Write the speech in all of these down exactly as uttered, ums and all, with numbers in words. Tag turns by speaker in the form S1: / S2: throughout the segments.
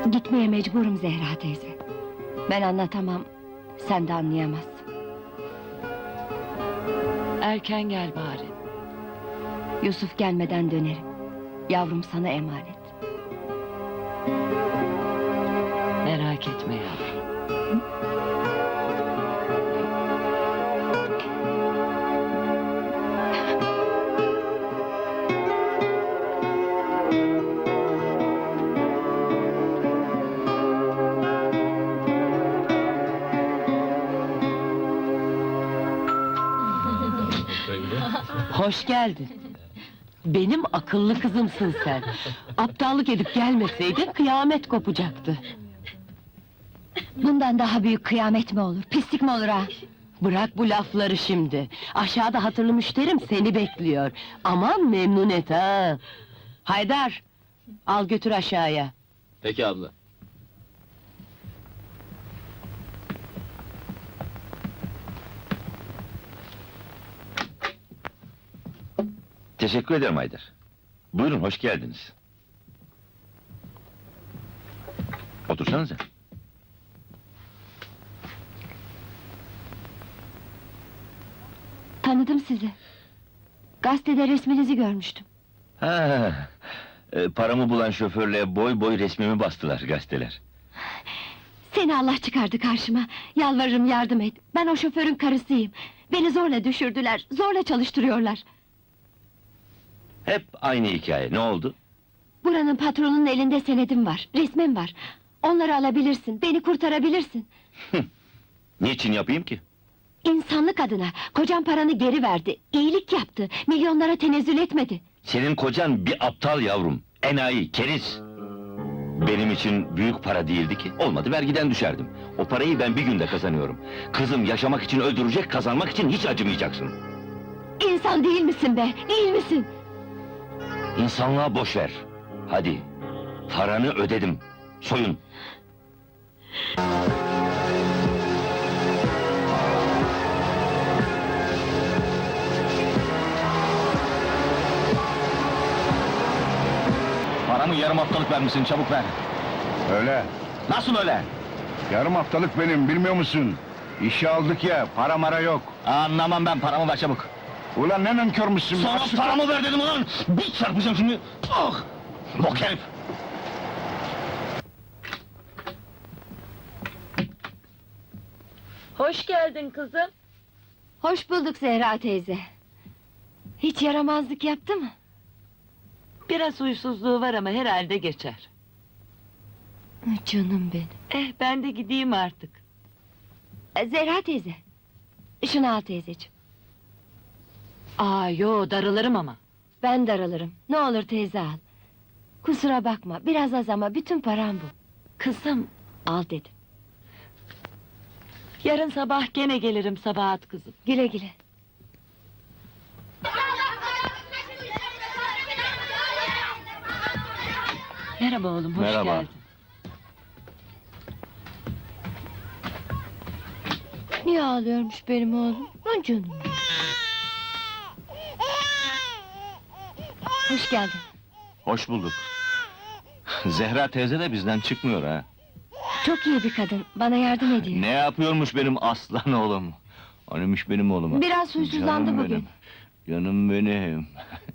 S1: Gitmeye mecburum Zehra teyze. Ben anlatamam, sen de anlayamazsın.
S2: Erken gel bari.
S1: Yusuf gelmeden dönerim. Yavrum sana emanet.
S2: Merak etme yavrum.
S3: Hoş geldin. Benim akıllı kızımsın sen. Aptallık edip gelmeseydin kıyamet kopacaktı.
S1: Bundan daha büyük kıyamet mi olur, pislik mi olur ha?
S3: Bırak bu lafları şimdi. Aşağıda hatırlı müşterim seni bekliyor. Aman memnun et ha. Haydar, al götür aşağıya.
S4: Peki abla.
S5: Teşekkür ederim Haydar. Buyurun, hoş geldiniz. Otursanıza.
S1: Tanıdım sizi. Gazetede resminizi görmüştüm.
S5: Ha, e, paramı bulan şoförle boy boy resmimi bastılar gazeteler.
S1: Seni Allah çıkardı karşıma. Yalvarırım yardım et. Ben o şoförün karısıyım. Beni zorla düşürdüler, zorla çalıştırıyorlar.
S5: Hep aynı hikaye, ne oldu?
S1: Buranın patronunun elinde senedim var, resmim var. Onları alabilirsin, beni kurtarabilirsin.
S5: Niçin yapayım ki?
S1: İnsanlık adına, kocam paranı geri verdi, iyilik yaptı, milyonlara tenezzül etmedi.
S5: Senin kocan bir aptal yavrum, enayi, keriz! Benim için büyük para değildi ki, olmadı vergiden düşerdim. O parayı ben bir günde kazanıyorum. Kızım yaşamak için öldürecek, kazanmak için hiç acımayacaksın.
S1: İnsan değil misin be, değil misin?
S5: İnsanlığa boş ver. Hadi, paranı ödedim, soyun!
S4: Paramı yarım haftalık vermişsin, çabuk ver.
S6: Öyle.
S4: Nasıl öyle?
S6: Yarım haftalık benim, bilmiyor musun? İşe aldık ya, para mara yok.
S4: Anlamam ben, paramı ver çabuk.
S6: Ulan ne nankörmüşsün?
S4: Sana
S6: Açık-
S4: paramı ver dedim ulan! Bir çarpacağım şimdi! Ah! Bok herif!
S2: Hoş geldin kızım.
S1: Hoş bulduk Zehra teyze. Hiç yaramazlık yaptı mı?
S3: Biraz huysuzluğu var ama herhalde geçer.
S1: Canım benim.
S3: Eh, ben de gideyim artık.
S1: E, Zehra teyze. Şunu al teyzeciğim.
S3: Aa, yo, darılırım ama.
S1: Ben daralırım. Ne olur teyze al. Kusura bakma, biraz az ama bütün param bu.
S3: Kızım,
S1: Al dedim.
S3: yarın sabah gene gelirim Sabahat kızım.
S1: Güle güle.
S3: Merhaba oğlum, hoş
S5: Merhaba.
S3: geldin.
S1: Niye ağlıyormuş benim oğlum? Lan canım. Hoş geldin.
S5: Hoş bulduk. Zehra teyze de bizden çıkmıyor ha.
S1: Çok iyi bir kadın, bana yardım ediyor.
S5: Ne yapıyormuş benim aslan oğlum? Anıymış benim oğluma.
S1: Biraz huysuzlandı
S5: Canım
S1: bugün.
S5: benim, Canım benim.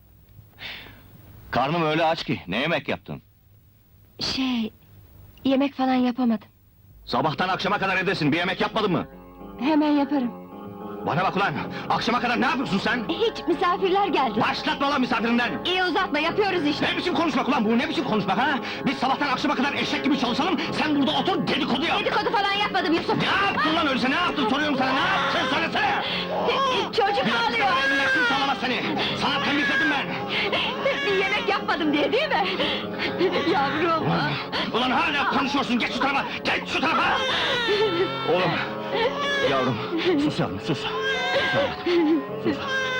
S5: Karnım öyle aç ki, ne yemek yaptın?
S1: Şey... Yemek falan yapamadım.
S5: Sabahtan akşama kadar evdesin, bir yemek yapmadın mı?
S1: Hemen yaparım.
S5: Bana bak ulan, akşama kadar ne yapıyorsun sen?
S1: Hiç, misafirler geldi.
S5: Başlatma lan misafirinden!
S1: İyi uzatma, yapıyoruz işte.
S5: Ne biçim konuşmak ulan bu, ne biçim konuşmak ha? Biz sabahtan akşama kadar eşek gibi çalışalım, sen burada otur dedikodu yap!
S1: Dedikodu falan yapmadım Yusuf.
S5: Ne yaptın lan öyleyse, ne yaptın soruyorum sana, ne yaptın söylesene!
S1: Çocuk ağlıyor.
S5: Nefsin sağlamaz seni! Sana temizledim ben!
S1: Bir yemek yapmadım diye değil mi? Yavrum.
S5: Ulan, ulan hala konuşuyorsun, geç şu tarafa, geç şu tarafa! Oğlum, yavrum, sus yavrum, sus! Sus yavrum, sus!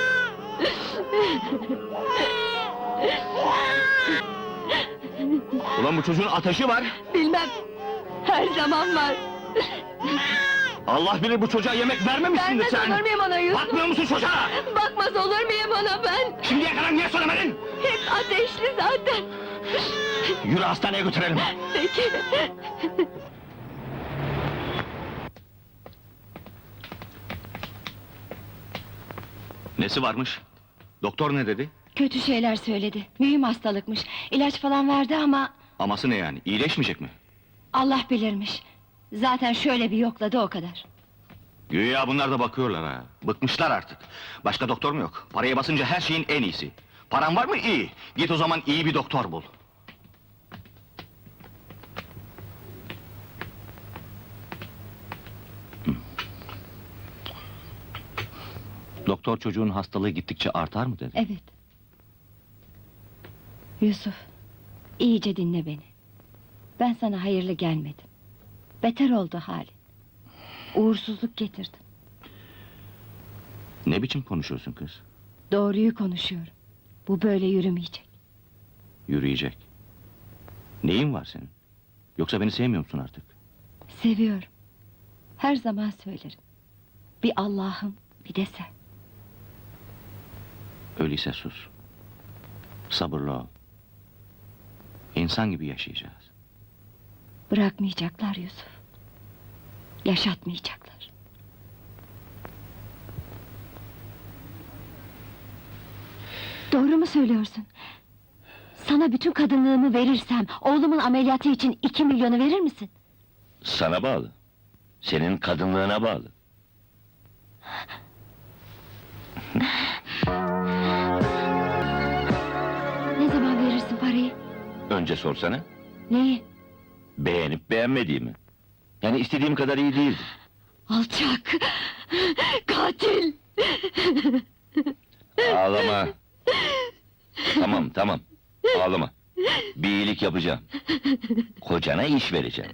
S5: Ulan bu çocuğun ateşi var!
S1: Bilmem. Her zaman var.
S5: Allah bilir bu çocuğa yemek vermemişsindir
S1: Vermez
S5: sen!
S1: olur muyum ona Yusuf?
S5: Bakmıyor musun çocuğa?
S1: Bakmaz olur muyum ona ben?
S5: Şimdiye kadar niye söylemedin?
S1: Hep ateşli zaten.
S4: Yürü hastaneye götürelim.
S1: Peki.
S4: Nesi varmış? Doktor ne dedi?
S1: Kötü şeyler söyledi. Mühim hastalıkmış. İlaç falan verdi ama
S4: Aması ne yani? İyileşmeyecek mi?
S1: Allah bilirmiş. Zaten şöyle bir yokladı o kadar.
S4: Güya bunlar da bakıyorlar ha. Bıkmışlar artık. Başka doktor mu yok? Paraya basınca her şeyin en iyisi. Paran var mı? İyi. Git o zaman iyi bir doktor bul. Doktor çocuğun hastalığı gittikçe artar mı dedi?
S1: Evet. Yusuf, iyice dinle beni. Ben sana hayırlı gelmedim. Beter oldu halin. Uğursuzluk getirdim.
S4: Ne biçim konuşuyorsun kız?
S1: Doğruyu konuşuyorum. Bu böyle yürümeyecek.
S4: Yürüyecek. Neyin var senin? Yoksa beni sevmiyor musun artık?
S1: Seviyorum. Her zaman söylerim. Bir Allah'ım, bir de sen.
S4: Öyleyse sus. Sabırlı ol. İnsan gibi yaşayacağız.
S1: Bırakmayacaklar Yusuf. Yaşatmayacaklar. Doğru mu söylüyorsun? Sana bütün kadınlığımı verirsem, oğlumun ameliyatı için iki milyonu verir misin?
S5: Sana bağlı. Senin kadınlığına bağlı.
S1: Ne zaman verirsin parayı?
S5: Önce sorsana.
S1: Neyi?
S5: Beğenip beğenmediğimi. Yani istediğim kadar iyi değildi.
S1: Alçak! Katil!
S5: Ağlama. Tamam, tamam. Ağlama. Bir iyilik yapacağım. Kocana iş vereceğim.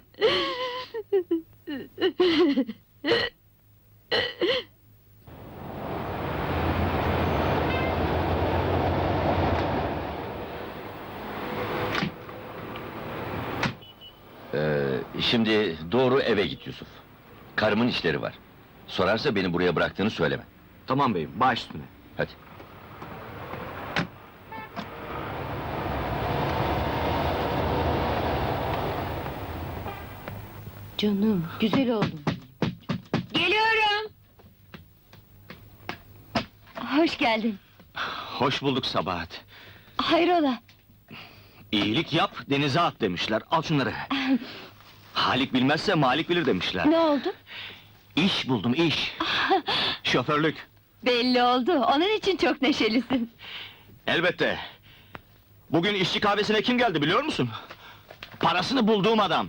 S5: Ee, şimdi doğru eve git Yusuf. Karımın işleri var. Sorarsa beni buraya bıraktığını söyleme.
S4: Tamam beyim, baş üstüne.
S5: Hadi.
S1: Canım, güzel oldun. Geliyorum! Hoş geldin.
S4: Hoş bulduk Sabahat.
S1: Hayrola?
S4: İyilik yap, denize at demişler. Al şunları. Halik bilmezse Malik bilir demişler.
S1: Ne oldu?
S4: İş buldum, iş. Şoförlük.
S1: Belli oldu, onun için çok neşelisin.
S4: Elbette. Bugün işçi kahvesine kim geldi biliyor musun? Parasını bulduğum adam.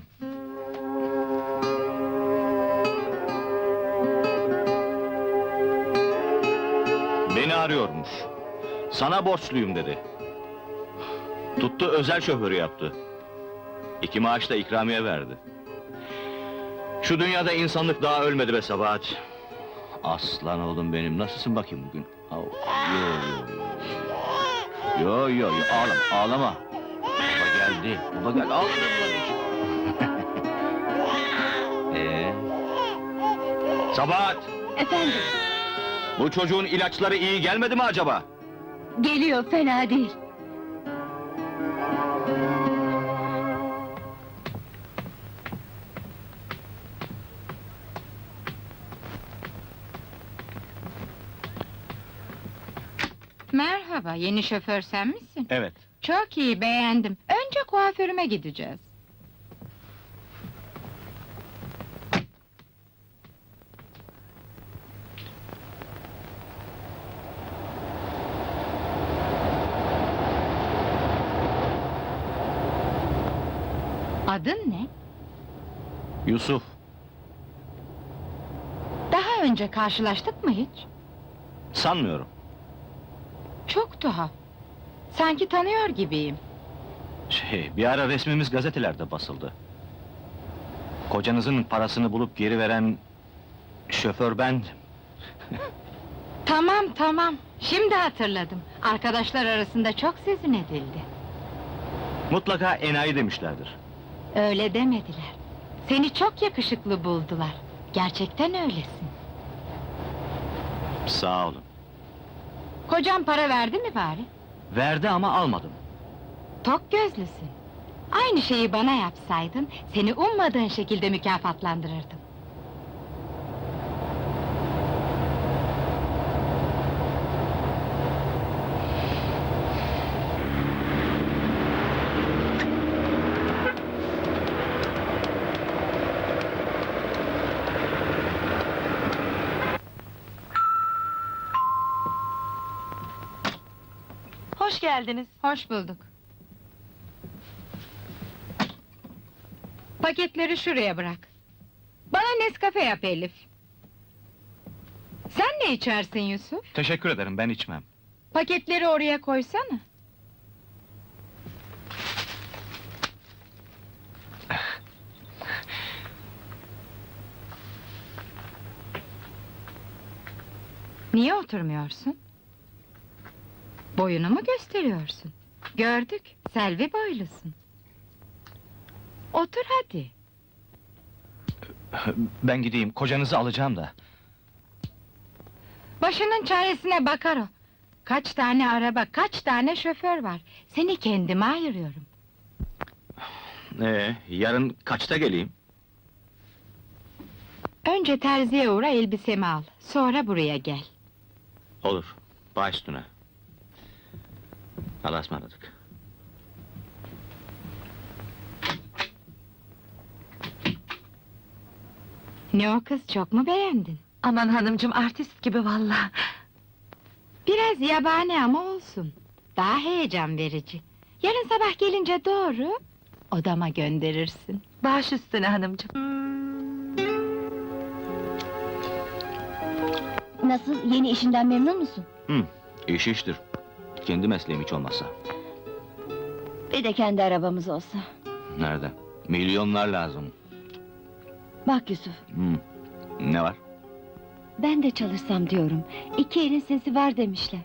S4: Beni arıyormuş. Sana borçluyum dedi. Tuttu özel şoförü yaptı. İki maaş da ikramiye verdi. Şu dünyada insanlık daha ölmedi be Sabahat. Aslan oğlum benim, nasılsın bakayım bugün? Au, Yo yo yo. Yo yo yo, ağlama, ağlama. Baba geldi, baba geldi, ağlama. Ee? Sabahat,
S1: Efendim,
S4: bu çocuğun ilaçları iyi gelmedi mi acaba?
S1: geliyor, fena değil.
S7: Merhaba, yeni şoför sen misin?
S4: Evet.
S7: Çok iyi, beğendim. Önce kuaförüme gideceğiz. Adın ne?
S4: Yusuf,
S7: Daha önce karşılaştık mı hiç?
S4: sanmıyorum.
S7: Çok tuhaf. Sanki tanıyor gibiyim.
S4: Şey, bir ara resmimiz gazetelerde basıldı. Kocanızın parasını bulup geri veren şoför bendim.
S7: Tamam, tamam. Şimdi hatırladım. Arkadaşlar arasında çok sözün edildi.
S4: Mutlaka enayi demişlerdir.
S7: Öyle demediler. Seni çok yakışıklı buldular. Gerçekten öylesin.
S4: Sağ olun.
S7: Kocan para verdi mi bari?
S4: Verdi ama almadım.
S7: Tok gözlüsün. Aynı şeyi bana yapsaydın, seni ummadığın şekilde mükafatlandırırdım.
S3: Hoş geldiniz.
S7: Hoş bulduk. Paketleri şuraya bırak. Bana Nescafe yap Elif. Sen ne içersin Yusuf?
S4: Teşekkür ederim, ben içmem.
S7: Paketleri oraya koysana. Niye oturmuyorsun? Boyunu mu gösteriyorsun? Gördük, Selvi boylusun. Otur hadi.
S4: Ben gideyim, kocanızı alacağım da.
S7: Başının çaresine bakar o. Kaç tane araba, kaç tane şoför var. Seni kendime ayırıyorum.
S4: Ee, yarın kaçta geleyim?
S7: Önce terziye uğra, elbisemi al. Sonra buraya gel.
S4: Olur, baş üstüne. Allah'a ısmarladık.
S7: Ne o kız, çok mu beğendin?
S3: Aman hanımcığım, artist gibi vallahi.
S7: Biraz yabani ama olsun. Daha heyecan verici. Yarın sabah gelince doğru odama gönderirsin.
S3: Baş üstüne hanımcığım.
S1: Nasıl, yeni işinden memnun musun?
S4: Hı, iş iştir. Kendi mesleğim hiç olmazsa.
S1: Bir de kendi arabamız olsa.
S4: Nerede? Milyonlar lazım.
S1: Bak Yusuf,
S4: Hı. Ne var?
S1: ben de çalışsam diyorum. İki elin sesi var demişler.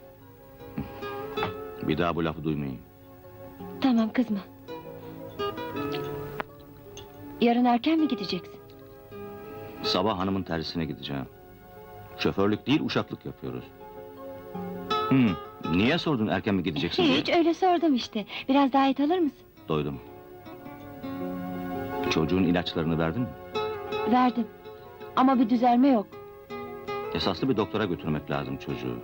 S4: Bir daha bu lafı duymayayım.
S1: Tamam, kızma. Yarın erken mi gideceksin?
S4: Sabah hanımın tersine gideceğim. Şoförlük değil, uşaklık yapıyoruz. Hı, niye sordun erken mi gideceksin diye?
S1: Hiç, öyle sordum işte. Biraz daha et alır mısın?
S4: Doydum. Çocuğun ilaçlarını verdin mi?
S1: Verdim. Ama bir düzelme yok.
S4: Esaslı bir doktora götürmek lazım çocuğu.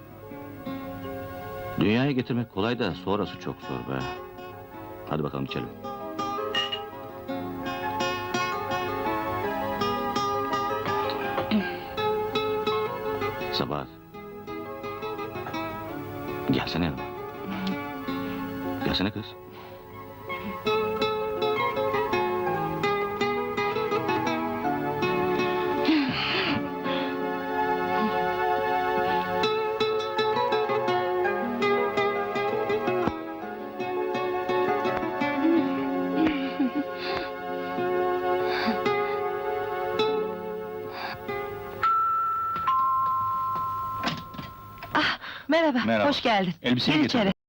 S4: Dünyaya getirmek kolay da sonrası çok zor be. Hadi bakalım içelim. Sabahat. Gelsene yanıma. Gelsene kız.
S3: Merhaba,
S4: Merhaba.
S3: hoş geldin.
S4: Elbiseyi
S3: Gir
S4: getirdim.
S3: içeri.